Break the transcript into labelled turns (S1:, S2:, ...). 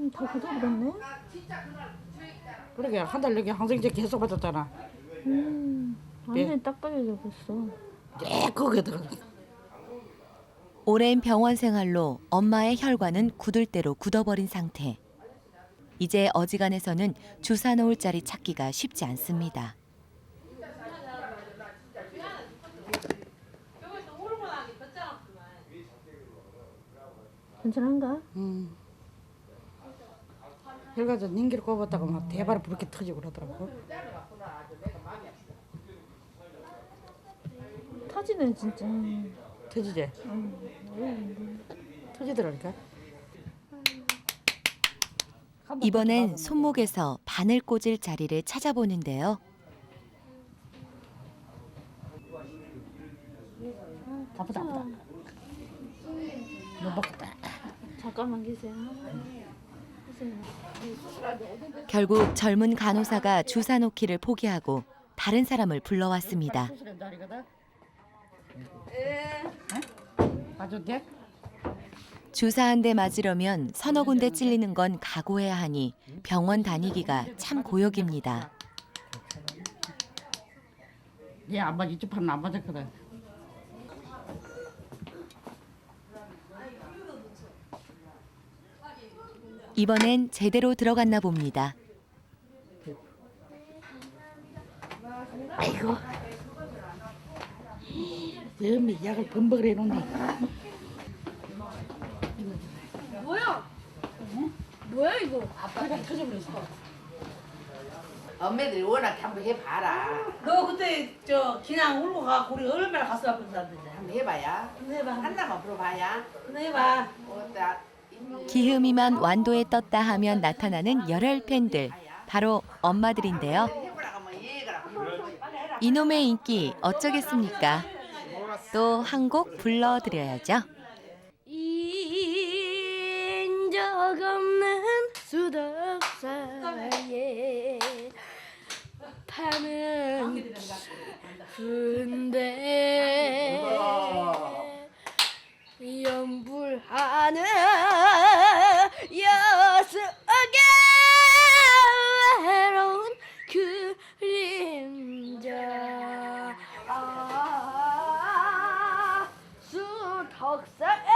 S1: 다 굳어버렸네.
S2: 그러게 한 달 여기 항생제 계속 받았잖아.
S1: 완전히 딱 빨려졌어.
S2: 네, 거기에 들어가.
S3: 오랜 병원 생활로 엄마의 혈관은 굳을 대로 굳어버린 상태. 이제 어지간해서는 주사 놓을 자리 찾기가 쉽지 않습니다.
S1: 괜찮은가?
S2: 혈관에서 닌기를 꼽았다가 막 대바로 부렇게 터지고 그러더라고.
S1: 터지네 진짜.
S2: 터지지? 터지더라니까.
S3: 이번엔 손목에서 바늘 꽂을 자리를 찾아보는데요.
S2: 아프다. 못 먹겠다.
S1: 잠깐만 계세요.
S3: 결국 젊은 간호사가 주사 놓기를 포기하고 다른 사람을 불러왔습니다.
S2: 맞아도 돼?
S3: 주사 한 대 맞으려면 서너 군데 찔리는 건 각오해야 하니 병원 다니기가 참 고역입니다.
S2: 얘 안 맞아. 이쪽 판은 안 맞았거든.
S3: 이번엔 제대로 들어갔나 봅니다.
S2: 아이고. 엄니 약을 범벅을 해놓네.
S1: 뭐야? 뭐야 이거?
S2: 아빠가 터져버렸어.
S4: 엄마들이 워낙 한번 해봐라.
S5: 너 그때 저 그냥 울고 가고 우리 얼마나 가슴 아픈다던데.
S4: 한번 해봐야.
S5: 한번 해봐.
S4: 한나만 불어봐야.
S5: 한번 해봐.
S4: 어따
S3: 기흠이만 완도에 떴다 하면 나타나는 열혈 팬들, 바로 엄마들인데요.
S4: 해보라고 하면 얘가
S3: 이놈의 인기 어쩌겠습니까? 또 한 곡 불러드려야죠.
S1: 인적 없는 수덕사에 파는 깊은데 연불하는 여수의 외로운 그림자 수덕사에